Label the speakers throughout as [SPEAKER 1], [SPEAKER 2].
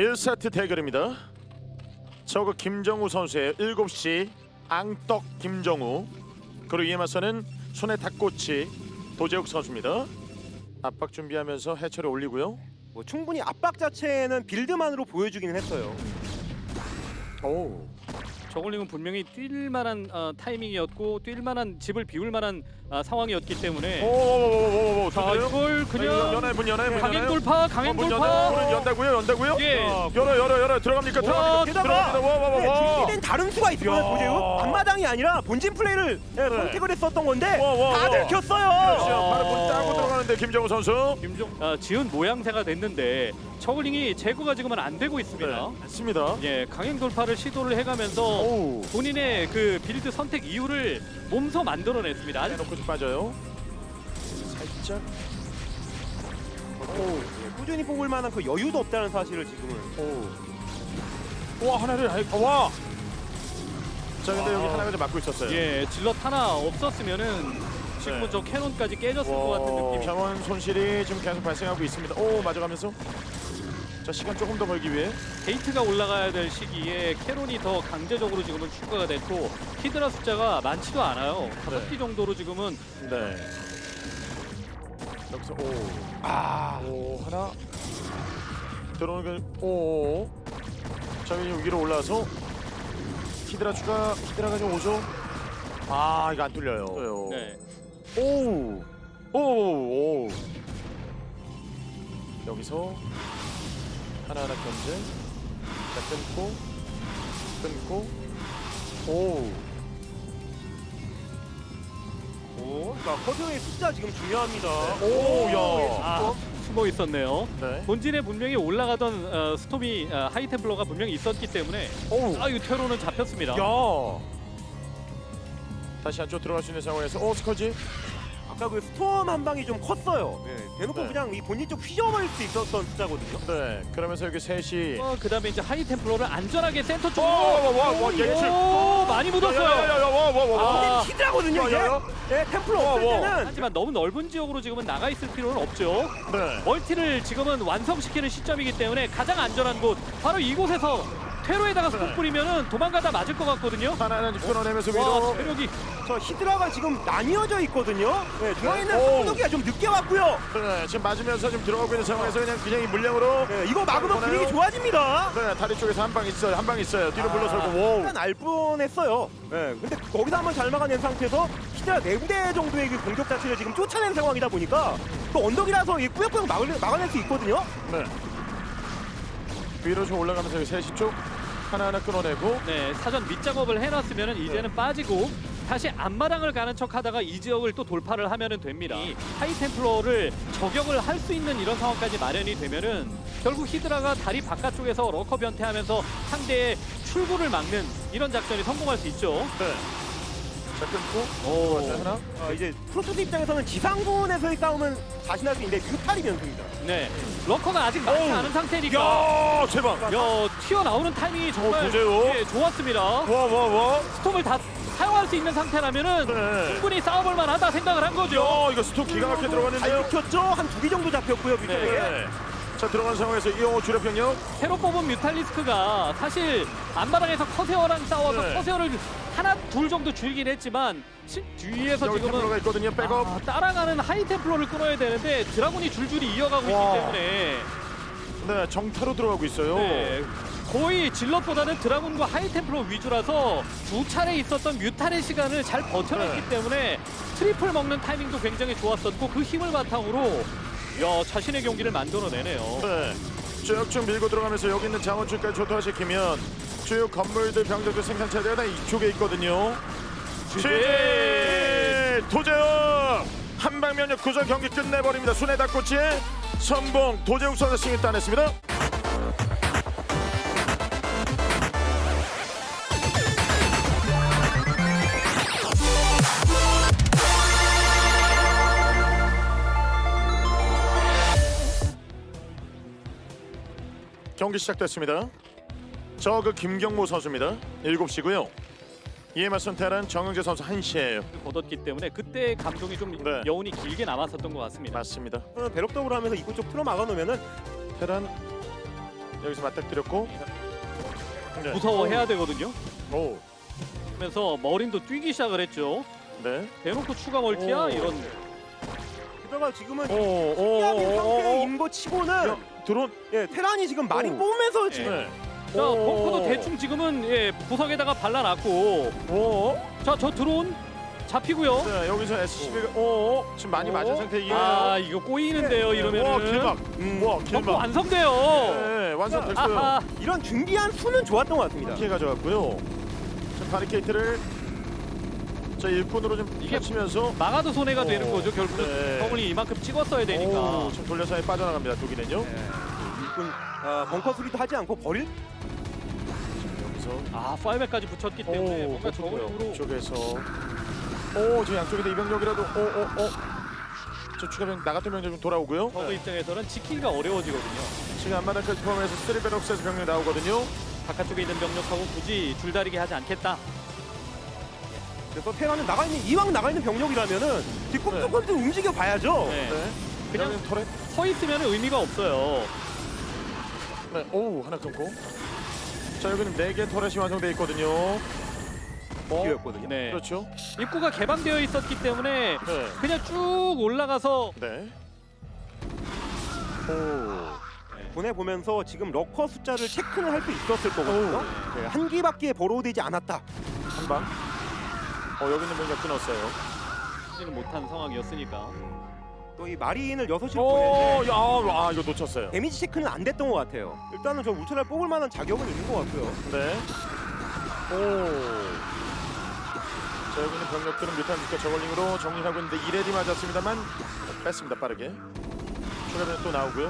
[SPEAKER 1] 1세트 대결입니다. 저거 김정우 선수의 7시 앙떡 김정우, 그리고 이에 맞서는 손에 닭꼬치 도재욱 선수입니다. 압박 준비하면서 해처리 올리고요.
[SPEAKER 2] 뭐 충분히 압박 자체는 빌드만으로 보여주기는 했어요.
[SPEAKER 1] 오.
[SPEAKER 3] 저글링은 분명히 뛸 만한 타이밍이었고 뛸 만한 집을 비울 만한 상황이었기 때문에
[SPEAKER 1] 오오오오오오.
[SPEAKER 3] 자 이걸 그냥
[SPEAKER 1] 연애 문
[SPEAKER 3] 강행 돌파 강행 돌파
[SPEAKER 1] 문은 연다고요?
[SPEAKER 3] 예.
[SPEAKER 1] 열어 들어갑니까?
[SPEAKER 3] 와,
[SPEAKER 2] 게다가
[SPEAKER 1] 들어갑니다.
[SPEAKER 2] 준비된 다른 수가 있어요. 도재욱 앞마당이 아니라 본진 플레이를 선택을 했었던 건데 다 들켰어요.
[SPEAKER 1] 바로 문 따고 들어가는데 김정우 선수.
[SPEAKER 3] 지은 모양새가 됐는데 저글링이 제거가 지금은 안 되고 있습니다.
[SPEAKER 1] 맞습니다.
[SPEAKER 3] 예, 강행 돌파를 시도를 해가면서
[SPEAKER 1] 오.
[SPEAKER 3] 본인의 그 빌드 선택 이유를 몸소 만들어냈습니다.
[SPEAKER 1] 해놓고 좀 빠져요. 살짝.
[SPEAKER 2] 꾸준히 뽑을 만한 그 여유도 없다는 사실을 지금은.
[SPEAKER 1] 와, 하나를 와. 자, 근데 여기 하나가 좀 막고 있었어요.
[SPEAKER 3] 예, 질럿 하나 없었으면은 지금은
[SPEAKER 1] 네.
[SPEAKER 3] 저 캐논까지 깨졌을 것 같은 느낌.
[SPEAKER 1] 자원 손실이 지금 계속 발생하고 있습니다. 오, 맞아가면서. 자, 시간 조금 더 벌기 위해.
[SPEAKER 3] 게이트가 올라가야 될 시기에 캐논이 더 강제적으로 지금은 추가가 됐고 히드라 숫자가 많지도 않아요. 5기 정도로 지금은
[SPEAKER 1] 네. 여기서 오 하나 들어오는 게 자, 위로 올라서 히드라가 좀 오죠. 아, 이거 안 뚫려요.
[SPEAKER 3] 네.
[SPEAKER 1] 오. 여기서 하나하나 견제. 자, 끊고
[SPEAKER 2] 그러니까 커드의 숫자 지금 중요합니다.
[SPEAKER 3] 아, 숨어 있었네요.
[SPEAKER 1] 네.
[SPEAKER 3] 본진에 분명히 올라가던 스톰이 하이템플러가 분명히 있었기 때문에 이 테러는 잡혔습니다.
[SPEAKER 1] 야. 다시 안쪽 들어갈 수 있는 상황에서 스커지.
[SPEAKER 2] 아까 그 스톰 한 방이 좀 컸어요. 대놓고
[SPEAKER 1] 네.
[SPEAKER 2] 그냥 이 본진 쪽 휘저어버릴 수 있었던 숫자거든요.
[SPEAKER 1] 네. 그러면서 여기 셋이
[SPEAKER 3] 그다음에 이제 하이템플러를 안전하게 센터 쪽으로
[SPEAKER 1] 와, 예측.
[SPEAKER 3] 많이 묻었어요.
[SPEAKER 1] 와.
[SPEAKER 2] 히드라거든요 이게. 템플러 없을 때는
[SPEAKER 3] 하지만 너무 넓은 지역으로 지금은 나가 있을 필요는 없죠.
[SPEAKER 1] 네.
[SPEAKER 3] 멀티를 지금은 완성시키는 시점이기 때문에 가장 안전한 곳 바로 이곳에서 퇴로에다가 스톱 뿌리면은 도망가다 맞을 것 같거든요.
[SPEAKER 1] 하나는 끊어내면서
[SPEAKER 3] 와,
[SPEAKER 1] 위로.
[SPEAKER 3] 체력이
[SPEAKER 2] 저 히드라가 지금 나뉘어져 있거든요. 중앙에 있는
[SPEAKER 1] 오.
[SPEAKER 2] 한국이가 좀 늦게 왔고요.
[SPEAKER 1] 네, 지금 맞으면서 지금 들어가고 있는 상황에서 그냥 이 물량으로.
[SPEAKER 2] 이거 막으면
[SPEAKER 1] 보내요.
[SPEAKER 2] 분위기 좋아집니다.
[SPEAKER 1] 네, 다리 쪽에서 한 방 있어요. 뒤로 물러서고. 오.
[SPEAKER 2] 약간 알 뻔했어요. 근데 거기서 한번 잘 막아낸 상태에서 히드라 4군데 정도의 그 공격 자체를 지금 쫓아낸 상황이다 보니까 또 언덕이라서 이 꾸역꾸역 막아낼 수 있거든요.
[SPEAKER 1] 네. 위로 좀 올라가면서 여기 3시 쪽 하나하나 끊어내고.
[SPEAKER 3] 네, 사전 밑작업을 해놨으면은 이제는 빠지고 다시 앞마당을 가는 척하다가 이 지역을 또 돌파를 하면은 됩니다. 이 하이템플러를 저격을 할 수 있는 이런 상황까지 마련이 되면은 결국 히드라가 다리 바깥쪽에서 러커 변태하면서 상대의 출구를 막는 이런 작전이 성공할 수 있죠.
[SPEAKER 1] 네. 자, 끊고. 하나.
[SPEAKER 2] 이제 프로토스 입장에서는 지상군에서의 싸움은 자신할 수 있는데 뮤탈이 변수입니다.
[SPEAKER 3] 네, 러커가 아직 많지 않은 상태니까
[SPEAKER 1] 야, 제발.
[SPEAKER 3] 튀어나오는 타이밍이 정말
[SPEAKER 1] 도재욱.
[SPEAKER 3] 좋았습니다.
[SPEAKER 1] 와.
[SPEAKER 3] 스톰을 다 사용할 수 있는 상태라면은
[SPEAKER 1] 네.
[SPEAKER 3] 충분히 싸워볼 만하다 생각을 한 거죠.
[SPEAKER 1] 야, 이거 스톱 기가 막히게 들어갔는데요.
[SPEAKER 2] 잘 지켰죠? 한 2기 정도 잡혔고요, 뮤탈에게.
[SPEAKER 1] 네. 자, 들어간 상황에서 이영호 주력 병력.
[SPEAKER 3] 새로 뽑은 뮤탈리스크가 사실 앞마당에서 커세어랑 싸워서
[SPEAKER 1] 네.
[SPEAKER 3] 커세어를 하나 둘 정도 줄긴 했지만 뒤에서
[SPEAKER 1] 여기 템플러가
[SPEAKER 3] 지금은
[SPEAKER 1] 있거든요. 백업.
[SPEAKER 3] 따라가는 하이템플러를 끊어야 되는데 드라군이 줄줄이 이어가고
[SPEAKER 1] 와.
[SPEAKER 3] 있기 때문에
[SPEAKER 1] 네, 정타로 들어가고 있어요.
[SPEAKER 3] 네, 거의 질럿보다는 드라군과 하이템플러 위주라서 두 차례 있었던 뮤탈의 시간을 잘 버텨냈기
[SPEAKER 1] 네.
[SPEAKER 3] 때문에 트리플 먹는 타이밍도 굉장히 좋았었고 그 힘을 바탕으로 자신의 경기를 만들어내네요.
[SPEAKER 1] 네. 쭉 밀고 들어가면서 여기 있는 자원줄까지 조토화시키면 주요 건물들 병력들 생산체제가 다 이쪽에 있거든요. 최재 도재욱 한방면역 구절 경기 끝내버립니다. 순회 닭꼬치 선봉 도재욱 선수 승리 따냈습니다. 경기 시작됐습니다. 저 김경모 선수입니다. 7시고요. 이에 맞선 테란 정영재 선수 1시예요.
[SPEAKER 3] 얻었기 때문에 그때 감동이 좀
[SPEAKER 1] 네.
[SPEAKER 3] 여운이 길게 남았었던 것 같습니다.
[SPEAKER 1] 맞습니다.
[SPEAKER 2] 배럭덕으로 하면서 이곳 쪽 틀어 막아놓으면은
[SPEAKER 1] 테란 여기서 맞닥뜨렸고. 네.
[SPEAKER 3] 무서워해야 되거든요.
[SPEAKER 1] 오.
[SPEAKER 3] 그러면서 머린도 뛰기 시작을 했죠.
[SPEAKER 1] 네.
[SPEAKER 3] 대놓고 추가 멀티야
[SPEAKER 1] 오.
[SPEAKER 3] 이런.
[SPEAKER 2] 게다가 지금은
[SPEAKER 1] 오.
[SPEAKER 2] 피하는 상태인 거 치고는
[SPEAKER 1] 드론.
[SPEAKER 2] 예, 테란이 지금 많이
[SPEAKER 1] 오.
[SPEAKER 2] 뽑으면서 지금
[SPEAKER 1] 네.
[SPEAKER 3] 자, 벙커도 대충 지금은 예, 구석에다가 발라놨고.
[SPEAKER 1] 오.
[SPEAKER 3] 자, 저 드론 잡히고요.
[SPEAKER 1] 네, 여기서 SCB가 지금 많이 맞은 상태이에요.
[SPEAKER 3] 아, 이거 꼬이는데요.
[SPEAKER 1] 와,
[SPEAKER 3] 이러면은.
[SPEAKER 1] 길막. 와,
[SPEAKER 3] 벙커
[SPEAKER 1] 길막.
[SPEAKER 3] 완성돼요.
[SPEAKER 1] 네, 완성됐어요.
[SPEAKER 3] 아하.
[SPEAKER 2] 이런 준비한 수는 좋았던 것 같습니다.
[SPEAKER 1] 피해 가져갔고요. 지금 바리케이트를 자 일꾼으로 좀
[SPEAKER 3] 이게
[SPEAKER 1] 펼치면서
[SPEAKER 3] 막아도 손해가
[SPEAKER 1] 오.
[SPEAKER 3] 되는 거죠. 결국은
[SPEAKER 1] 네.
[SPEAKER 3] 더블이 이만큼 찍었어야 되니까.
[SPEAKER 1] 오, 지금 돌려서 빠져나갑니다. 독일은요.
[SPEAKER 2] 일꾼 벙커 수리도 하지 않고 버릴
[SPEAKER 1] 여기서
[SPEAKER 3] 아, 파이백까지 붙였기 때문에 뭔가 저걸로
[SPEAKER 1] 쪽에서 저 양쪽에다 이병력이라도 저 추가병 나갔던 병력 좀 돌아오고요.
[SPEAKER 3] 저그 입장에서는 지키기가 어려워지거든요.
[SPEAKER 1] 지금 앞마당까지 포함해서 3배럭스에서 병력 나오거든요.
[SPEAKER 3] 바깥쪽에 있는 병력하고 굳이 줄다리기 하지 않겠다.
[SPEAKER 2] 그래서 테란은 이왕 나가 있는 병력이라면은 뒷꿈틀꿈틀 움직여 봐야죠.
[SPEAKER 3] 네.
[SPEAKER 1] 네.
[SPEAKER 3] 그냥
[SPEAKER 1] 그냥 터렛.
[SPEAKER 3] 서 있으면 의미가 없어요.
[SPEAKER 1] 네. 오 하나 끊고. 자 여기는 4개 터렛이 완성돼 있거든요.
[SPEAKER 2] 기회였거든요.
[SPEAKER 3] 네.
[SPEAKER 1] 그렇죠.
[SPEAKER 3] 입구가 개방되어 있었기 때문에
[SPEAKER 1] 네.
[SPEAKER 3] 그냥 쭉 올라가서
[SPEAKER 1] 네. 오.
[SPEAKER 2] 보내보면서 지금 러커 숫자를 체크는 할 수 있었을 거거든요. 네, 한 기밖에 버로우되지 않았다.
[SPEAKER 1] 한 방. 여기는 뭔가 끊었어요.
[SPEAKER 3] 지는 못한 상황이었으니까.
[SPEAKER 2] 또 이 마리인을 6시로
[SPEAKER 1] 오,
[SPEAKER 2] 보내는데
[SPEAKER 1] 야, 이거 놓쳤어요.
[SPEAKER 2] 데미지 체크는 안 됐던 것 같아요. 일단은 저 울트라를 뽑을 만한 자격은 있는 것 같고요.
[SPEAKER 1] 네. 오. 자, 여기는 병력들은 뮤탄트과 저걸링으로 정리하고 있는데 2레디 맞았습니다만 뺐습니다, 빠르게. 추가변 또 나오고요.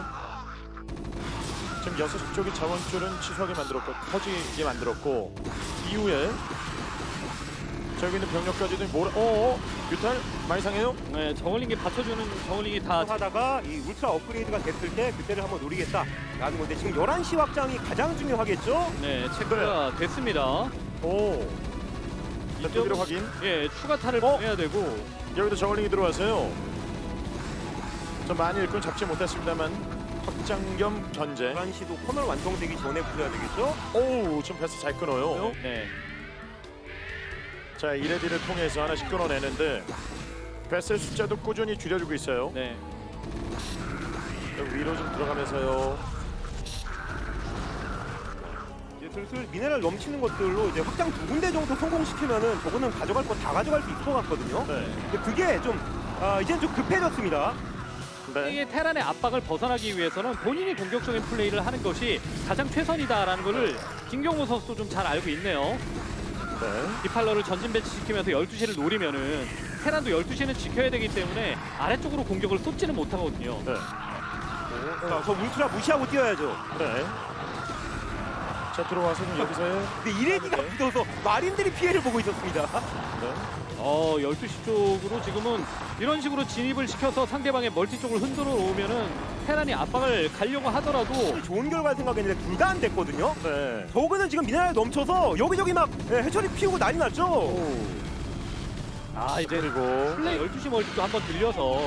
[SPEAKER 1] 지금 6시 쪽이 자원줄은 취소하게 만들었고 터지게 만들었고 이후에 자, 여기 있는 병력까지도 뮤탈 많이 상해요?
[SPEAKER 3] 네, 저글링이 받쳐주는 저글링이 다
[SPEAKER 2] 하다가 이 울트라 업그레이드가 됐을 때 그때를 한번 노리겠다라는 건데 지금 11시 확장이 가장 중요하겠죠?
[SPEAKER 3] 네, 체크가 됐습니다.
[SPEAKER 1] 오. 자, 두개로 확인.
[SPEAKER 3] 예, 추가타를 보내야 되고
[SPEAKER 1] 여기도 저걸링이 들어와서요. 좀 많이 일꾼 잡지 못했습니다만 확장 겸 견제.
[SPEAKER 2] 11시도 커널 완성되기 전에 부셔야 되겠죠?
[SPEAKER 1] 오, 지금 패스 잘 끊어요.
[SPEAKER 3] 네.
[SPEAKER 1] 자, 이레디를 통해서 하나씩 끊어내는데 패스의 숫자도 꾸준히 줄여주고 있어요.
[SPEAKER 3] 네.
[SPEAKER 1] 여기 위로 좀 들어가면서요.
[SPEAKER 2] 이제 슬슬 미네랄 넘치는 것들로 이제 확장 2군데 정도 성공시키면은 저거는 가져갈 거 다 가져갈 수 있을 것 같거든요.
[SPEAKER 1] 네.
[SPEAKER 2] 근데 그게 좀 이제는 좀 급해졌습니다.
[SPEAKER 1] 네.
[SPEAKER 3] 이게 테란의 압박을 벗어나기 위해서는 본인이 공격적인 플레이를 하는 것이 가장 최선이다라는 것을 김경호 선수도 좀 잘 알고 있네요.
[SPEAKER 1] 네.
[SPEAKER 3] 디팔러를 전진 배치시키면서 12시를 노리면은 테란도 12시는 지켜야 되기 때문에 아래쪽으로 공격을 쏟지는 못하거든요.
[SPEAKER 1] 네.
[SPEAKER 2] 자, 저 울트라 무시하고 뛰어야죠.
[SPEAKER 1] 네. 자, 들어와서 좀 여기서요.
[SPEAKER 2] 근데 이레디가 붙어서 마린들이 피해를 보고 있었습니다.
[SPEAKER 1] 네.
[SPEAKER 3] 12시 쪽으로 지금은 이런 식으로 진입을 시켜서 상대방의 멀티 쪽을 흔들어 놓으면은 테란이 압박을 가려고 하더라도
[SPEAKER 2] 좋은 결과를 생각했는데 둘 다 안 됐거든요.
[SPEAKER 1] 네.
[SPEAKER 2] 저거는 지금 미네랄 넘쳐서 여기저기 막 해처리 피우고 난리 났죠.
[SPEAKER 1] 오.
[SPEAKER 3] 이제
[SPEAKER 1] 그리고
[SPEAKER 3] 플레이 12시 멀티도 한번 들려서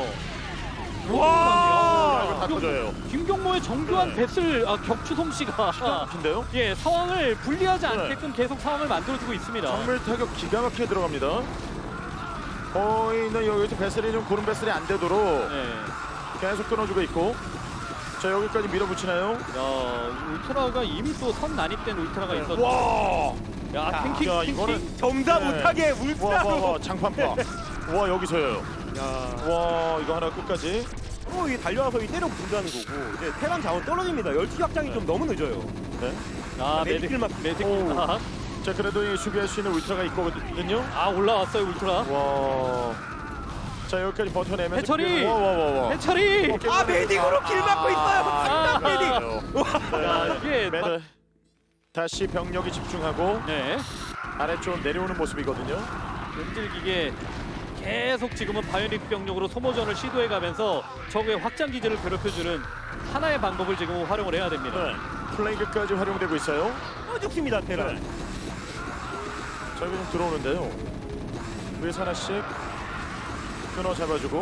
[SPEAKER 1] 와, 이거 다
[SPEAKER 3] 이거
[SPEAKER 1] 터져요.
[SPEAKER 3] 김경모의 정교한
[SPEAKER 1] 네.
[SPEAKER 3] 배슬 격추 솜씨가
[SPEAKER 1] 막힌데요?
[SPEAKER 3] 예, 상황을 불리하지
[SPEAKER 1] 네.
[SPEAKER 3] 않게끔 계속 상황을 만들어주고 있습니다.
[SPEAKER 1] 정밀 타격 기가 막히게 들어갑니다. 거의는 여기서 배슬이 좀 고른 배슬이 안 되도록
[SPEAKER 3] 네.
[SPEAKER 1] 계속 끊어주고 있고. 자, 여기까지 밀어붙이나요?
[SPEAKER 3] 야, 울트라가 이미 또 선 난입된 울트라가 있었죠.
[SPEAKER 1] 네. 와!
[SPEAKER 3] 야, 탱킹,
[SPEAKER 1] 야,
[SPEAKER 3] 탱킹.
[SPEAKER 1] 이거는
[SPEAKER 2] 점사
[SPEAKER 1] 네.
[SPEAKER 2] 못하게
[SPEAKER 1] 와,
[SPEAKER 2] 울트라로.
[SPEAKER 1] 장판파. 와, 여기서요.
[SPEAKER 2] 야.
[SPEAKER 1] 와, 이거 하나 끝까지.
[SPEAKER 2] 이게 달려와서 때려 부른다는 거고 이제 테란 자원 떨어집니다. 10시 확장이 좀 너무 늦어요.
[SPEAKER 1] 네.
[SPEAKER 2] 메디킬만.
[SPEAKER 3] 메디킬만.
[SPEAKER 1] 자, 그래도 이 수비할 수 있는 울트라가 있거든요.
[SPEAKER 3] 올라왔어요, 울트라.
[SPEAKER 1] 와. 자, 여기까지 버텨내면서
[SPEAKER 3] 해처리!
[SPEAKER 1] 와.
[SPEAKER 3] 해처리!
[SPEAKER 2] 메딕으로 길 막고 있어요.
[SPEAKER 3] 아,
[SPEAKER 2] 메딕.
[SPEAKER 3] 야, 이게
[SPEAKER 1] 매달 다시 병력이 집중하고
[SPEAKER 3] 네.
[SPEAKER 1] 아래쪽 내려오는 모습이거든요.
[SPEAKER 3] 끈질기게 계속 지금은 바이오닉 병력으로 소모전을 시도해가면서 적의 확장 기지를 괴롭혀주는 하나의 방법을 지금 활용을 해야 됩니다.
[SPEAKER 1] 네. 플레이그까지 활용되고 있어요.
[SPEAKER 2] 죽습니다 테란.
[SPEAKER 1] 네. 자, 여기 좀 들어오는데요. 위에서 하나씩 끊어 잡아주고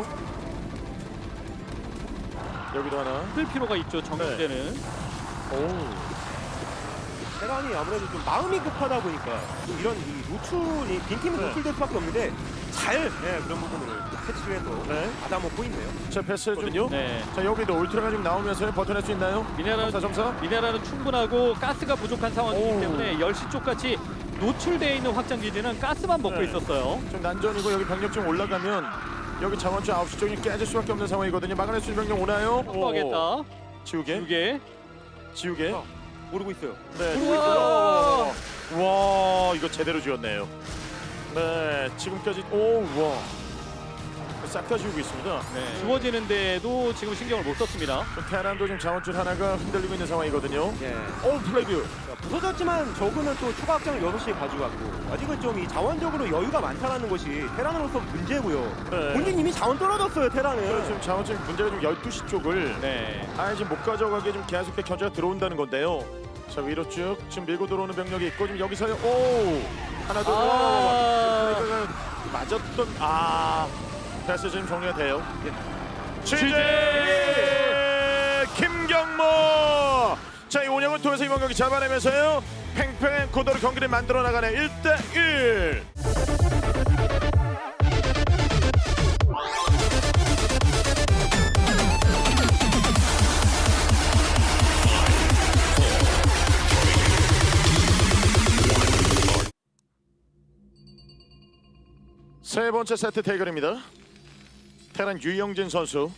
[SPEAKER 1] 여기도 하나.
[SPEAKER 3] 쓸 필요가 있죠, 정규제는.
[SPEAKER 1] 오.
[SPEAKER 2] 테란이 아무래도 좀 마음이 급하다 보니까 좀 이런 이 노출이 빈틈이
[SPEAKER 1] 네.
[SPEAKER 2] 노출될 수밖에 없는데 잘 그런 부분을 캐치해서
[SPEAKER 1] 네.
[SPEAKER 2] 받아먹고 있네요.
[SPEAKER 1] 자 패스 좀.
[SPEAKER 3] 네.
[SPEAKER 1] 자 여기도 울트라가 지금 나오면서 버텨낼 수 있나요?
[SPEAKER 3] 미네랄은
[SPEAKER 1] 점사.
[SPEAKER 3] 미네랄은 충분하고 가스가 부족한 상황이기
[SPEAKER 1] 오.
[SPEAKER 3] 때문에 10시 쪽같이 노출되어 있는 확장 기지는 가스만 먹고
[SPEAKER 1] 네.
[SPEAKER 3] 있었어요.
[SPEAKER 1] 지금 난전이고 여기 병력 좀 올라가면 여기 자원줄 9시 쪽이 깨질 수밖에 없는 상황이거든요. 막아낼 수 있는 병력 오나요?
[SPEAKER 3] 확보하겠다.
[SPEAKER 1] 지우개.
[SPEAKER 3] 2개.
[SPEAKER 1] 지우개.
[SPEAKER 2] 모르고 있어요.
[SPEAKER 1] 네.
[SPEAKER 3] 우와.
[SPEAKER 1] 와 이거 제대로 지었네요. 네 지금까지 와. 싹 다 지우고 있습니다.
[SPEAKER 3] 네. 주어지는데도 지금 신경을 못 썼습니다.
[SPEAKER 1] 테란도 지금 자원줄 하나가 흔들리고 있는 상황이거든요.
[SPEAKER 2] 예.
[SPEAKER 1] 플레이드.
[SPEAKER 2] 부서졌지만 저그는 또 추가 확장을 6시에 가져갔고 아직은 좀 이 자원적으로 여유가 많다는 것이 테란으로서 문제고요.
[SPEAKER 1] 네.
[SPEAKER 2] 본진 이미 자원 떨어졌어요 테란은.
[SPEAKER 1] 지금 자원줄 문제가 좀 12시 쪽을
[SPEAKER 3] 네.
[SPEAKER 1] 지금 못 가져가게 좀 계속 견제가 들어온다는 건데요. 자 위로 쭉 지금 밀고 들어오는 병력이 있고 지금 여기서요. 하나 둘. 플레이드가 맞았던 패스 지금 정리가 돼요. 취재 김경모. 자 이 운영을 통해서 이번 경기 잡아내면서요. 팽팽한 고도로 경기를 만들어 나가네 1대1. 세 번째 세트 대결입니다. 테란 유영진 선수,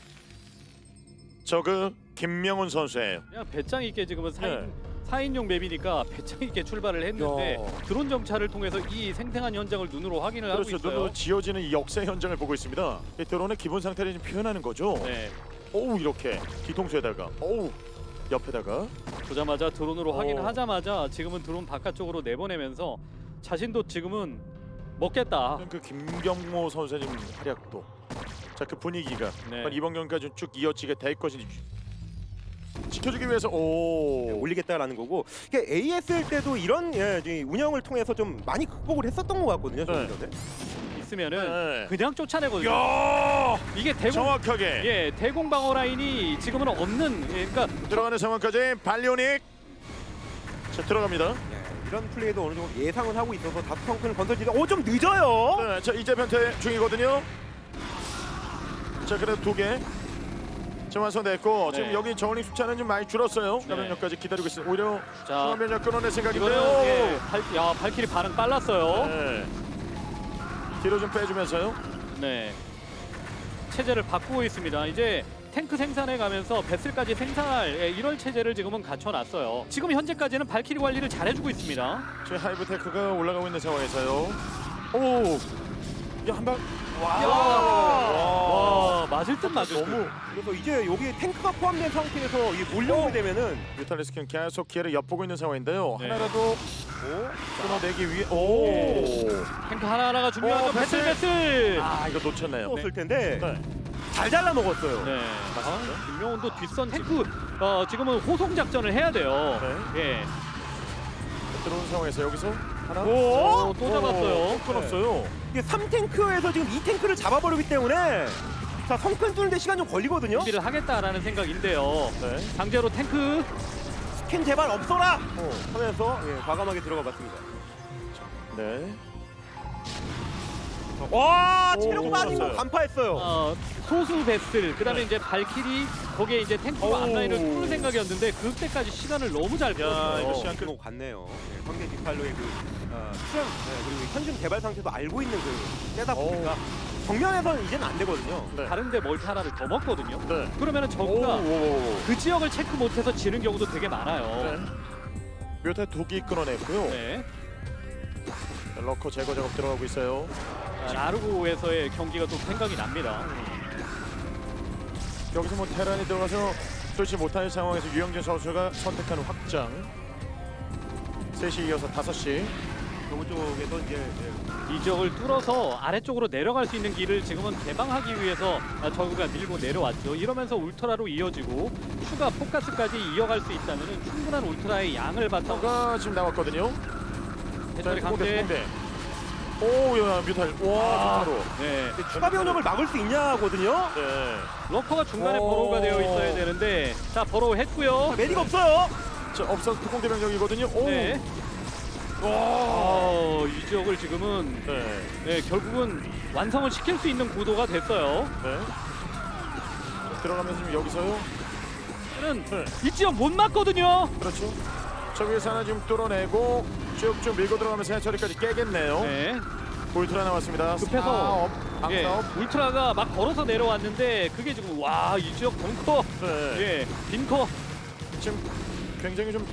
[SPEAKER 1] 저그 김명훈 선수예요.
[SPEAKER 3] 그냥 배짱 있게 지금은
[SPEAKER 1] 네.
[SPEAKER 3] 4인용 맵이니까 배짱 있게 출발을 했는데
[SPEAKER 2] 야.
[SPEAKER 3] 드론 정찰을 통해서 이 생생한 현장을 눈으로 확인을
[SPEAKER 1] 그렇죠.
[SPEAKER 3] 하고 있어요.
[SPEAKER 1] 눈으로 지어지는 이 역사 현장을 보고 있습니다. 이 드론의 기본 상태를 좀 표현하는 거죠.
[SPEAKER 3] 네.
[SPEAKER 1] 이렇게 뒤통수에다가, 옆에다가.
[SPEAKER 3] 보자마자 드론으로 확인하자마자 지금은 드론 바깥쪽으로 내보내면서 자신도 지금은 먹겠다.
[SPEAKER 1] 그 김경모 선수의 지금 활약도, 자 그 분위기가
[SPEAKER 3] 네.
[SPEAKER 1] 이번 경기까지 쭉 이어지게 될 것인지 지켜주기 위해서
[SPEAKER 2] 올리겠다라는 거고 이게 AS일 때도 이런 이 운영을 통해서 좀 많이 극복을 했었던 것 같거든요.
[SPEAKER 1] 네.
[SPEAKER 2] 저는.
[SPEAKER 3] 있으면은
[SPEAKER 1] 네.
[SPEAKER 3] 그냥 쫓아내거든요.
[SPEAKER 1] 야
[SPEAKER 3] 이게 대공
[SPEAKER 1] 정확하게
[SPEAKER 3] 대공 방어 라인이 지금은 없는 그러니까
[SPEAKER 1] 들어가는 상황까지 발리오닉 자 들어갑니다.
[SPEAKER 2] 이런 플레이도 어느 정도 예상을 하고 있어서 다수 성큰을 건설지가 좀 늦어요.
[SPEAKER 1] 네, 자 이제 변태 중이거든요. 자 그래도 2개 지금 완성됐고
[SPEAKER 3] 네.
[SPEAKER 1] 지금 여기 저울링 숫자는 좀 많이 줄었어요.
[SPEAKER 3] 네.
[SPEAKER 1] 추가면역까지 기다리고 있습니다. 오히려
[SPEAKER 3] 자
[SPEAKER 1] 추가면역 끊어낼 생각인데요.
[SPEAKER 3] 이거는 발키리 반응 빨랐어요.
[SPEAKER 1] 네. 뒤로 좀 빼주면서요.
[SPEAKER 3] 네. 체제를 바꾸고 있습니다. 이제 탱크 생산해 가면서 베슬까지 생산할 이런 체제를 지금은 갖춰놨어요. 지금 현재까지는 발키리 관리를 잘해주고 있습니다.
[SPEAKER 1] 지금 하이브 테크가 올라가고 있는 상황에서요. 야한 방.
[SPEAKER 3] 와, 맞을 듯 맞을 듯.
[SPEAKER 1] 너무
[SPEAKER 2] 그래서 이제 여기 탱크가 포함된 상태에서 이 몰려오게 되면은
[SPEAKER 1] 뮤탈리스크는 계속 기회를 엿보고 있는 상황인데요.
[SPEAKER 3] 네.
[SPEAKER 1] 하나라도 끊어내기 위해
[SPEAKER 3] 탱크 하나하나가 중요하죠. 베슬.
[SPEAKER 1] 이거 놓쳤네요.
[SPEAKER 2] 떴을 텐데
[SPEAKER 1] 네.
[SPEAKER 2] 잘 잘라 먹었어요.
[SPEAKER 3] 네.
[SPEAKER 1] 맞습니다.
[SPEAKER 3] 김명훈도 뒷선 탱크 지금은 호송 작전을 해야 돼요. 예.
[SPEAKER 1] 들어오는 상황에서 여기서 하나
[SPEAKER 3] 또 잡았어요.
[SPEAKER 1] 또 끊었어요.
[SPEAKER 2] 이게 3탱크에서 지금 2탱크를 잡아버리기 때문에 자 성큰 뚫는데 시간 좀 걸리거든요.
[SPEAKER 3] 준비를 하겠다라는 생각인데요.
[SPEAKER 1] 네.
[SPEAKER 3] 강제로 탱크
[SPEAKER 2] 스캔 제발 없어라 하면서 과감하게 들어가 봤습니다.
[SPEAKER 1] 네.
[SPEAKER 2] 와 체력
[SPEAKER 1] 오,
[SPEAKER 2] 빠진 거
[SPEAKER 1] 좋았어요.
[SPEAKER 2] 간파했어요.
[SPEAKER 3] 소수 베슬 그다음에
[SPEAKER 1] 네.
[SPEAKER 3] 이제 발키리 거기에 이제 탱크와 앞라인을 뚫을 생각이었는데 그때까지 시간을 너무 잘
[SPEAKER 1] 이거
[SPEAKER 3] 끌었어요.
[SPEAKER 1] 시간
[SPEAKER 2] 끊고 갔네요. 상대 디팔로의 그 수영 그리고 현준 개발 상태도 알고 있는 그 때다 보니까 정면에서는 이제는 안 되거든요.
[SPEAKER 1] 네.
[SPEAKER 3] 다른데 멀티 하나를 더 먹거든요.
[SPEAKER 1] 네.
[SPEAKER 3] 그러면은 저구가
[SPEAKER 1] 오.
[SPEAKER 3] 그 지역을 체크 못해서 지는 경우도 되게 많아요.
[SPEAKER 1] 네. 묘타 2개 끊어냈고요.
[SPEAKER 3] 네.
[SPEAKER 1] 러커 제거 작업 들어가고 있어요.
[SPEAKER 3] 라르고에서의 경기가 또 생각이 납니다.
[SPEAKER 1] 여기서 뭐 테란이 들어가서 뚫지 못할 상황에서 유영진 선수가 선택하는 확장. 3시 이어서 5시.
[SPEAKER 2] 요거 쪽에서 이제
[SPEAKER 3] 이 지역을 뚫어서 아래쪽으로 내려갈 수 있는 길을 지금은 개방하기 위해서 저그가 밀고 내려왔죠. 이러면서 울트라로 이어지고 추가 포커스까지 이어갈 수 있다면 충분한 울트라의 양을 바탕으로
[SPEAKER 1] 가 지금 나왔거든요.
[SPEAKER 3] 배터리 강제.
[SPEAKER 1] 야 뮤탈. 와, 바로.
[SPEAKER 3] 네.
[SPEAKER 2] 추가 변형을 막을 수 있냐거든요.
[SPEAKER 1] 네.
[SPEAKER 3] 러커가 중간에
[SPEAKER 1] 오.
[SPEAKER 3] 버로우가 되어 있어야 되는데 자 버로우 했고요.
[SPEAKER 2] 메디가 없어요.
[SPEAKER 1] 자, 업사스 특공대 병력이거든요. 오.
[SPEAKER 3] 네. 이 지역을 지금은
[SPEAKER 1] 네.
[SPEAKER 3] 네, 결국은 완성을 시킬 수 있는 구도가 됐어요.
[SPEAKER 1] 네. 들어가면서 지금 여기서요.
[SPEAKER 3] 저는
[SPEAKER 1] 네.
[SPEAKER 3] 이 지역 못 맞거든요.
[SPEAKER 1] 그렇죠. 저 위에서 하나 지금 뚫어내고 쭉쭉 밀고 들어가면서 해처리까지 깨겠네요.
[SPEAKER 3] 네.
[SPEAKER 1] 울트라 나왔습니다.
[SPEAKER 3] 급해서 예,
[SPEAKER 1] 방사업.
[SPEAKER 3] 울트라가 막 걸어서 내려왔는데 그게 지금 와 이 지역 벙커
[SPEAKER 1] 네.
[SPEAKER 3] 예 빈커
[SPEAKER 1] 지금 굉장히 좀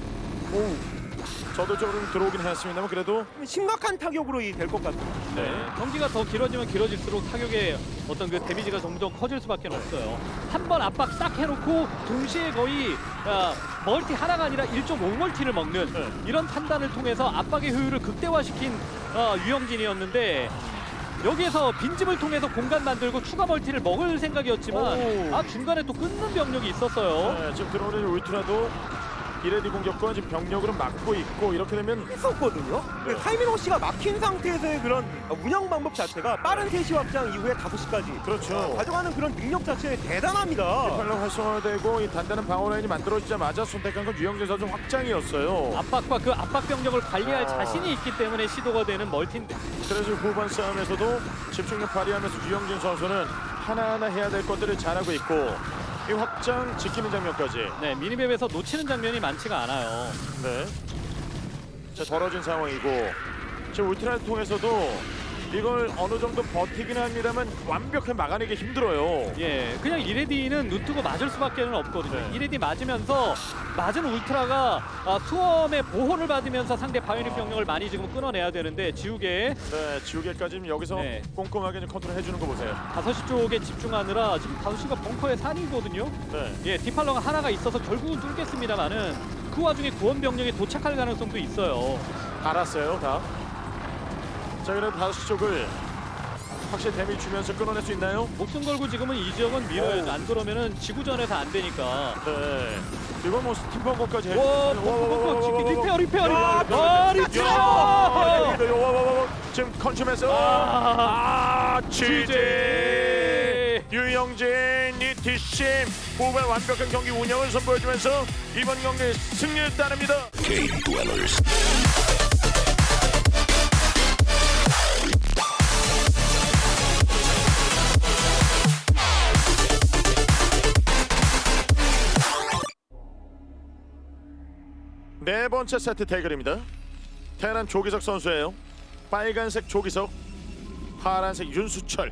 [SPEAKER 1] 저도 좀 들어오긴 했습니다만 그래도
[SPEAKER 2] 심각한 타격으로 될 것 같아요.
[SPEAKER 3] 네. 경기가 더 길어지면 길어질수록 타격의 어떤 그 데미지가 점점 커질 수밖에 없어요. 한 번 압박 딱 해놓고 동시에 거의 멀티 하나가 아니라 1.5멀티를 먹는
[SPEAKER 1] 네.
[SPEAKER 3] 이런 판단을 통해서 압박의 효율을 극대화시킨 유영진이었는데 여기에서 빈집을 통해서 공간 만들고 추가 멀티를 먹을 생각이었지만
[SPEAKER 1] 오.
[SPEAKER 3] 중간에 또 끊는 병력이 있었어요.
[SPEAKER 1] 네, 지금 들어오는 울트라도 이레디 공격과 지금 병력으로 막고 있고 이렇게 되면
[SPEAKER 2] 했었거든요.
[SPEAKER 1] 네.
[SPEAKER 2] 타이밍 씨가 막힌 상태에서의 그런 운영 방법 자체가 빠른 3시 확장 이후에 5시까지
[SPEAKER 1] 그렇죠.
[SPEAKER 2] 가져가는 그런 능력 자체 대단합니다.
[SPEAKER 1] 활력 활성화되고 이 단단한 방어 라인이 만들어지자마자 선택한 건 유영진 선수 확장이었어요.
[SPEAKER 3] 압박과 그 압박 병력을 관리할
[SPEAKER 1] 아.
[SPEAKER 3] 자신이 있기 때문에 시도가 되는 멀티인데
[SPEAKER 1] 그래서 후반 싸움에서도 집중력 발휘하면서 유영진 선수는 하나하나 해야 될 것들을 잘하고 있고 이 확장 지키는 장면까지.
[SPEAKER 3] 네, 미니맵에서 놓치는 장면이 많지가 않아요.
[SPEAKER 1] 네. 자, 벌어진 상황이고 지금 울트라를 통해서도 이걸 어느 정도 버티긴 합니다만 완벽하게 막아내기 힘들어요.
[SPEAKER 3] 예, 그냥 이레디는 눈뜨고 맞을 수밖에 없거든요.
[SPEAKER 1] 네.
[SPEAKER 3] 이레디 맞으면서 맞은 울트라가 수험의 보호를 받으면서 상대 바이오닉 병력을 많이 지금 끊어내야 되는데 지우개
[SPEAKER 1] 네, 지우개까지 여기서
[SPEAKER 3] 네.
[SPEAKER 1] 꼼꼼하게 좀 컨트롤 해주는 거 보세요.
[SPEAKER 3] 5시 쪽에 집중하느라 지금 5시가 벙커의 산이거든요.
[SPEAKER 1] 네.
[SPEAKER 3] 예, 디팔러가 하나가 있어서 결국은 뚫겠습니다만은 그 와중에 구원 병력이 도착할 가능성도 있어요.
[SPEAKER 1] 알았어요, 다. 자, 그래도 5시 쪽을 확실히 데미지 주면서 끊어낼 수 있나요?
[SPEAKER 3] 목숨 걸고 지금은 이 지역은 밀어요.
[SPEAKER 1] 오.
[SPEAKER 3] 안 그러면은 지구전에서 안 되니까.
[SPEAKER 1] 네. 이건 뭐 스팀펑거까지
[SPEAKER 3] 와, 리페어.
[SPEAKER 1] 지금 컨춤에서
[SPEAKER 3] GG.
[SPEAKER 1] 유영진 이티심 후반 완벽한 경기 운영을 선보여주면서 이번 경기 승리를 따냅니다. 네 번째 세트 대결입니다. 테란 조기석 선수예요. 빨간색 조기석, 파란색 윤수철.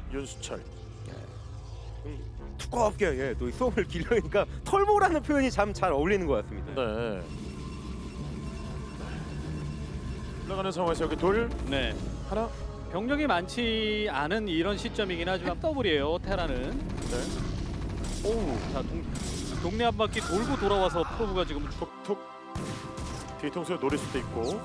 [SPEAKER 2] 두껍게 또 수험을 길러니까 털보라는 표현이 참 잘 어울리는 것 같습니다.
[SPEAKER 1] 네. 올라가는 상황에서 여기 둘
[SPEAKER 3] 네.
[SPEAKER 1] 하나.
[SPEAKER 3] 병력이 많지 않은 이런 시점이긴 하지만 더블이에요. 테라는.
[SPEAKER 1] 네. 오.
[SPEAKER 3] 자, 동네 한 바퀴 돌고 돌아와서 프로브가 지금
[SPEAKER 1] 툭툭 뒤통수에 노릴 수도 있고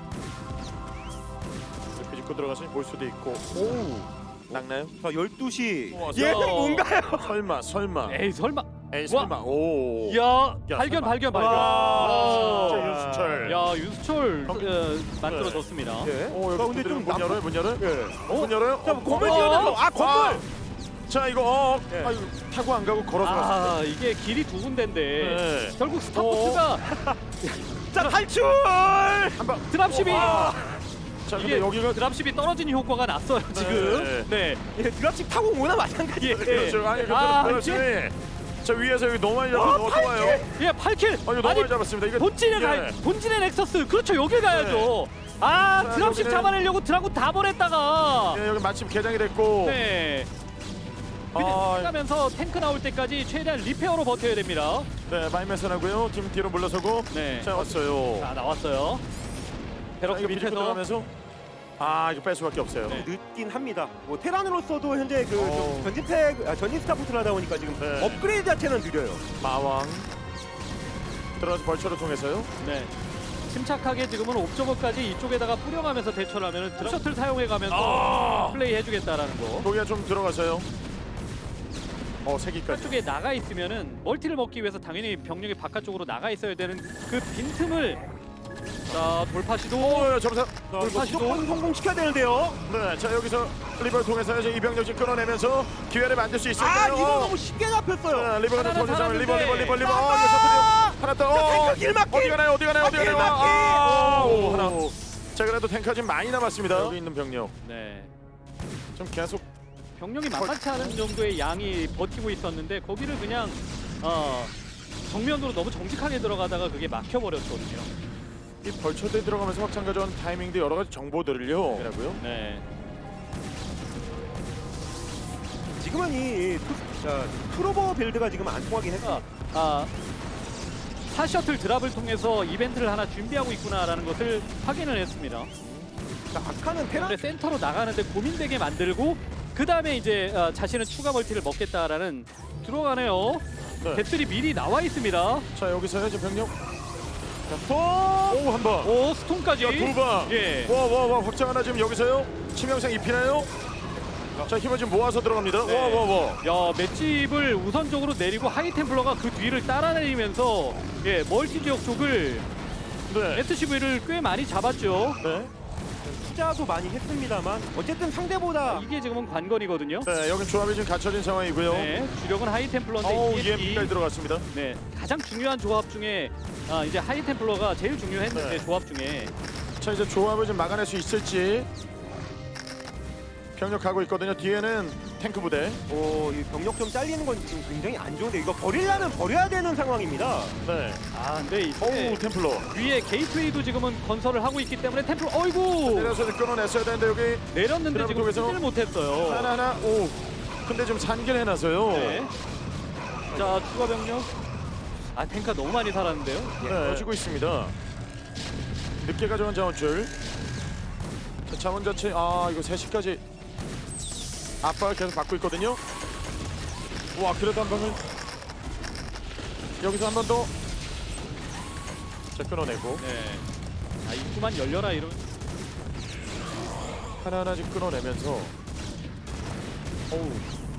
[SPEAKER 1] 이렇게 짚고 들어가서 볼 수도 있고. 오. 낙나요?
[SPEAKER 2] 자 12시
[SPEAKER 1] 우와,
[SPEAKER 2] 얘는
[SPEAKER 3] 저-
[SPEAKER 2] 뭔가요?
[SPEAKER 1] 설마.
[SPEAKER 3] 에이 설마.
[SPEAKER 1] 에이 설마. 오.
[SPEAKER 3] 야,
[SPEAKER 1] 야,
[SPEAKER 3] 발견.
[SPEAKER 1] 설마.
[SPEAKER 2] 와,
[SPEAKER 1] 진짜 윤수철.
[SPEAKER 3] 야, 윤수철
[SPEAKER 1] 네.
[SPEAKER 3] 만들어졌습니다.
[SPEAKER 2] 예.
[SPEAKER 1] 오, 여기
[SPEAKER 2] 근데 좀
[SPEAKER 1] 문 열어요? 문 열어요?
[SPEAKER 2] 예.
[SPEAKER 1] 문 열어요?
[SPEAKER 2] 자 건물 지어서 건물.
[SPEAKER 1] 자, 이거
[SPEAKER 2] 예.
[SPEAKER 1] 이거 타고 안 가고 걸어서 갔습니다.
[SPEAKER 3] 이게 길이 두 군데인데
[SPEAKER 1] 네.
[SPEAKER 3] 결국 스타포트가
[SPEAKER 2] 자 탈출.
[SPEAKER 1] 한방
[SPEAKER 3] 드랍십이
[SPEAKER 1] 자, 근데
[SPEAKER 3] 이게
[SPEAKER 1] 여기가
[SPEAKER 3] 드랍십이 떨어지는 효과가 났어요 지금. 네.
[SPEAKER 2] 예, 드랍십 타고 오나 마찬가지예요.
[SPEAKER 1] 그렇죠. 아니
[SPEAKER 3] 이제
[SPEAKER 1] 그렇지. 자, 위에서 여기 너무 많이 잡아서 너무 좋아요.
[SPEAKER 3] 예, 8킬.
[SPEAKER 1] 이거 너무 많이 잡았습니다. 이거
[SPEAKER 3] 본진의 넥서스. 그렇죠. 여길 가야죠.
[SPEAKER 1] 자,
[SPEAKER 3] 드랍십
[SPEAKER 1] 여기는-
[SPEAKER 3] 잡아내려고 드라군 다 보냈다가
[SPEAKER 1] 예, 여기 마침 개장이 됐고.
[SPEAKER 3] 네. 그냥
[SPEAKER 1] 아,
[SPEAKER 3] 가면서 탱크 나올 때까지 최대한 리페어로 버텨야 됩니다.
[SPEAKER 1] 네, 마이메선하고요. 팀 뒤로 물러서고.
[SPEAKER 3] 네.
[SPEAKER 1] 자, 왔어요.
[SPEAKER 3] 자, 나왔어요.
[SPEAKER 1] 자,
[SPEAKER 3] 베럭스
[SPEAKER 1] 이거 밑에
[SPEAKER 3] 밑에서
[SPEAKER 1] 들어가면서 이거 뺄 수밖에 없어요.
[SPEAKER 3] 네.
[SPEAKER 2] 늦긴 합니다. 뭐 테란으로서도 현재 그
[SPEAKER 1] 어.
[SPEAKER 2] 전진 스타포트를 하다 보니까 지금
[SPEAKER 1] 네.
[SPEAKER 2] 업그레이드 자체는 느려요.
[SPEAKER 1] 마왕 들어가서 벌처를 통해서요.
[SPEAKER 3] 네. 침착하게 지금은 옵저버까지 이쪽에다가 뿌려가면서 대처를 하면 드랍 셔틀 사용해가면서 플레이 해주겠다라는 거.
[SPEAKER 1] 거기가 좀 들어가서요. 세기까지.
[SPEAKER 3] 쪽에 나가 있으면은 멀티를 먹기 위해서 당연히 병력이 바깥쪽으로 나가 있어야 되는 그 빈틈을 자 돌파 시도
[SPEAKER 1] 점사.
[SPEAKER 3] 돌파 시도
[SPEAKER 2] 무조건 성공시켜야 되는데요.
[SPEAKER 1] 네, 자 여기서 리버를 통해서 이제 이병력 지금 끌어내면서 기회를 만들 수 있을까요?
[SPEAKER 2] 이거 너무 쉽게 잡혔어요.
[SPEAKER 1] 리버가 좀
[SPEAKER 3] 하나는
[SPEAKER 1] 돌리자면 리버.
[SPEAKER 3] 살았는데.
[SPEAKER 1] 이거 셔틀이요. 하나 더.
[SPEAKER 2] 탱크 길막기!
[SPEAKER 1] 어디 가나요? 어디 가나요? 어디 가나요?
[SPEAKER 2] 길막기!
[SPEAKER 1] 오, 하나. 자, 그래도 탱크가 지금 많이 남았습니다. 여기 있는 병력.
[SPEAKER 3] 네.
[SPEAKER 1] 좀 계속
[SPEAKER 3] 병력이 만만치 않은 정도의 양이 버티고 있었는데 거기를 그냥 정면으로 너무 정직하게 들어가다가 그게 막혀버렸거든요.
[SPEAKER 1] 이 벌처대에 들어가면서 확장 가져온 타이밍도 여러 가지 정보들을요. 라고요.
[SPEAKER 3] 네.
[SPEAKER 2] 지금은 이 트로버 빌드가 지금 안 통하긴 했어.
[SPEAKER 3] 사셔틀 드랍을 통해서 이벤트를 하나 준비하고 있구나라는 것을 확인을 했습니다.
[SPEAKER 2] 아카는 테라
[SPEAKER 3] 근데 센터로 나가는데 고민되게 만들고 그 다음에 이제 자신은 추가 멀티를 먹겠다라는 들어가네요.
[SPEAKER 1] 네.
[SPEAKER 3] 배틀이 미리 나와 있습니다.
[SPEAKER 1] 자, 여기서요. 지금 병력.
[SPEAKER 2] 자, 스톱!
[SPEAKER 1] 오, 한 번.
[SPEAKER 3] 오 스톤까지.
[SPEAKER 1] 자, 두 방.
[SPEAKER 3] 예.
[SPEAKER 1] 와, 확장 하나 지금 여기서요. 치명상 입히나요? 자, 힘을 지금 모아서 들어갑니다.
[SPEAKER 3] 네.
[SPEAKER 1] 와.
[SPEAKER 3] 야 맷집을 우선적으로 내리고 하이템플러가 그 뒤를 따라내리면서 예 멀티 지역 쪽을
[SPEAKER 1] 네.
[SPEAKER 3] SCV를 꽤 많이 잡았죠.
[SPEAKER 1] 네.
[SPEAKER 2] 투자도 많이 했습니다만 어쨌든 상대보다
[SPEAKER 3] 이게 지금은 관건이거든요.
[SPEAKER 1] 네, 여긴 조합이 지금 갖춰진 상황이고요.
[SPEAKER 3] 네, 주력은 하이템플러인데
[SPEAKER 1] 어우,
[SPEAKER 3] EMP.
[SPEAKER 1] EMP까지 들어갔습니다.
[SPEAKER 3] 네, 가장 중요한 조합 중에 이제 하이템플러가 제일 중요했는데
[SPEAKER 1] 네.
[SPEAKER 3] 조합 중에
[SPEAKER 1] 자, 이제 조합을 좀 막아낼 수 있을지. 병력 가고 있거든요. 뒤에는 탱크 부대.
[SPEAKER 2] 이 병력 좀 잘리는 건 지금 굉장히 안 좋은데 이거 버리려면 버려야 되는 상황입니다.
[SPEAKER 1] 네.
[SPEAKER 3] 근데 이제
[SPEAKER 1] 오, 템플러.
[SPEAKER 3] 위에 게이트웨이도 지금은 건설을 하고 있기 때문에 템플러 어이구
[SPEAKER 1] 내려서 좀 끊어냈어야 되는데 여기
[SPEAKER 3] 내렸는데
[SPEAKER 1] 드랍
[SPEAKER 3] 지금
[SPEAKER 1] 쪽에서
[SPEAKER 3] 쓰지를 못했어요.
[SPEAKER 1] 하나. 오. 근데 좀 산길 해놔서요.
[SPEAKER 3] 네. 자 추가 병력. 탱크가 너무 많이 살았는데요.
[SPEAKER 1] 네, 지고 있습니다. 늦게 가져간 자원줄. 자, 자원 자체 이거 3시까지 압박을 계속 받고 있거든요. 와, 그래도 한 방을 여기서 한 번 더. 자, 끊어내고
[SPEAKER 3] 네. 입구만 열려라 이런.
[SPEAKER 1] 하나하나 지금 끊어내면서. 오우.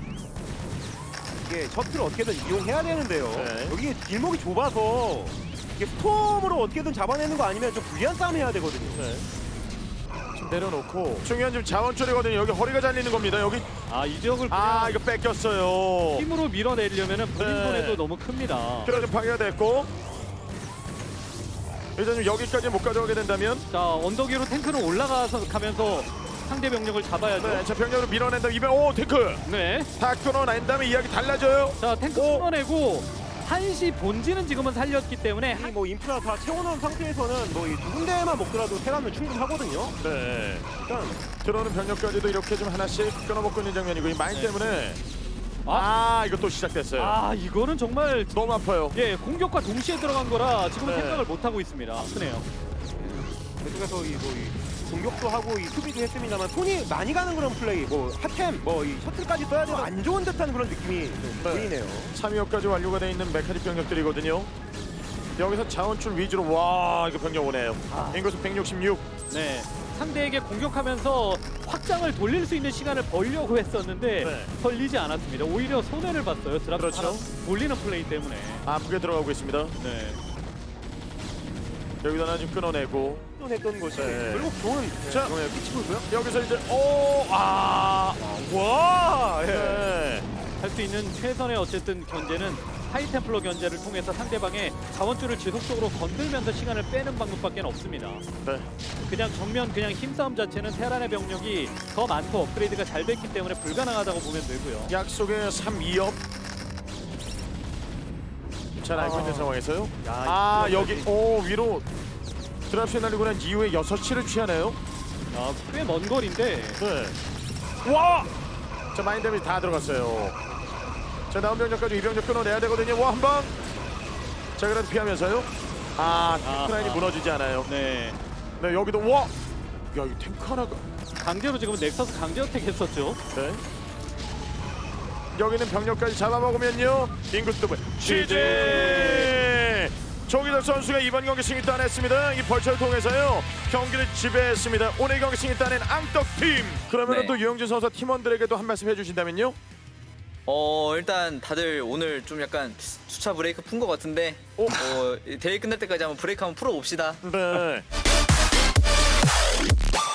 [SPEAKER 2] 이게 셔틀을 어떻게든 이용해야 되는데요.
[SPEAKER 1] 네.
[SPEAKER 2] 여기 길목이 좁아서 이게 스톰으로 어떻게든 잡아내는 거 아니면 좀 불리한 싸움 해야 되거든요.
[SPEAKER 1] 네. 지금 내려놓고 중요한 지금 자원줄이거든요. 여기 허리가 잘리는 겁니다. 여기
[SPEAKER 3] 이 지역을 그냥
[SPEAKER 1] 이거 뺏겼어요.
[SPEAKER 3] 힘으로 밀어내려면은 본인
[SPEAKER 1] 네.
[SPEAKER 3] 손해도 너무 큽니다.
[SPEAKER 1] 그래도 파괴가 됐고 일단 좀 여기까지 못 가져가게 된다면
[SPEAKER 3] 자 언덕 위로 탱크는 올라가서 가면서 상대 병력을 잡아야죠.
[SPEAKER 1] 네, 자 병력으로 밀어낸다. 오, 탱크
[SPEAKER 3] 네.
[SPEAKER 1] 다 끊어낸 다음에 이야기 달라져요.
[SPEAKER 3] 자 탱크
[SPEAKER 1] 오.
[SPEAKER 3] 끊어내고 한시 본진은 지금은 살렸기 때문에
[SPEAKER 2] 이 뭐 인프라 다 채워놓은 상태에서는 뭐 이 두 군데만 먹더라도 테라는 충분하거든요.
[SPEAKER 1] 네,
[SPEAKER 2] 일단
[SPEAKER 1] 들어오는 병력까지도 이렇게 좀 하나씩 끊어먹고 있는 장면이고 이 마인
[SPEAKER 3] 네.
[SPEAKER 1] 때문에 이거 또 시작됐어요.
[SPEAKER 3] 이거는 정말
[SPEAKER 1] 너무 아파요.
[SPEAKER 3] 공격과 동시에 들어간 거라 지금
[SPEAKER 1] 네.
[SPEAKER 3] 생각을 못 하고 있습니다. 아프네요.
[SPEAKER 2] 계속해서 이 공격도 하고 이 수비도 했습니다만 손이 많이 가는 그런 플레이, 뭐 핫템, 뭐 이 셔틀까지 써야 돼도 안 좋은 듯한 그런 느낌이 좀 보이네요.
[SPEAKER 1] 3위업까지 완료가 돼 있는 메카닉 병력들이거든요. 여기서 자원줄 위주로 이거 병력 오네요. 인구수 166.
[SPEAKER 3] 네. 상대에게 공격하면서 확장을 돌릴 수 있는 시간을 벌려고 했었는데
[SPEAKER 1] 네.
[SPEAKER 3] 걸리지 않았습니다. 오히려 손해를 봤어요. 드랍
[SPEAKER 1] 그렇죠.
[SPEAKER 3] 하나 돌리는 플레이 때문에.
[SPEAKER 1] 아프게 들어가고 있습니다.
[SPEAKER 3] 네.
[SPEAKER 1] 여기다 하나 지금 끊어내고
[SPEAKER 2] 했던 것이
[SPEAKER 1] 네.
[SPEAKER 2] 결국 좋은
[SPEAKER 1] 자.
[SPEAKER 2] 영향을 끼치고 있고요.
[SPEAKER 1] 여기서 이제
[SPEAKER 2] 와, 예.
[SPEAKER 1] 네.
[SPEAKER 3] 할 수 있는 최선의 어쨌든 견제는 하이템플러 견제를 통해서 상대방의 자원줄을 지속적으로 건들면서 시간을 빼는 방법밖에 없습니다.
[SPEAKER 1] 네.
[SPEAKER 3] 그냥 정면 그냥 힘싸움 자체는 테란의 병력이 더 많고 업그레이드가 잘 됐기 때문에 불가능하다고 보면 되고요.
[SPEAKER 1] 약속의 3-2업 잘 알고 있는 상황에서요.
[SPEAKER 3] 야,
[SPEAKER 1] 여기 위로 드랍시 날리고 난 이후에 6시를 취하네요.
[SPEAKER 3] 꽤 먼 거리인데
[SPEAKER 1] 네. 와! 자, 마인 데미지 다 들어갔어요. 자, 나온 병력까지 이 병력 끊어내야 되거든요. 한 방. 자, 그래도 피하면서요. 탱크라인이 무너지지 않아요.
[SPEAKER 3] 네.
[SPEAKER 1] 네, 여기도 야, 이 탱크 하나가.
[SPEAKER 3] 강제로 지금 넥서스 강제 어택 했었죠.
[SPEAKER 1] 네. 여기는 병력까지 잡아먹으면요. 인구 더블. 취재! 조기덕 선수가 이번 경기 승리 따냈습니다. 이 벌처를 통해서요. 경기를 지배했습니다. 오늘 경기 승리 따낸 앙떡팀. 그러면
[SPEAKER 4] 네.
[SPEAKER 1] 또 유영진 선수 팀원들에게도 한 말씀 해주신다면요.
[SPEAKER 4] 일단 다들 오늘 좀 약간 주차 브레이크 푼 것 같은데 대회 끝날 때까지 한번 브레이크 한번 풀어봅시다.
[SPEAKER 1] 네.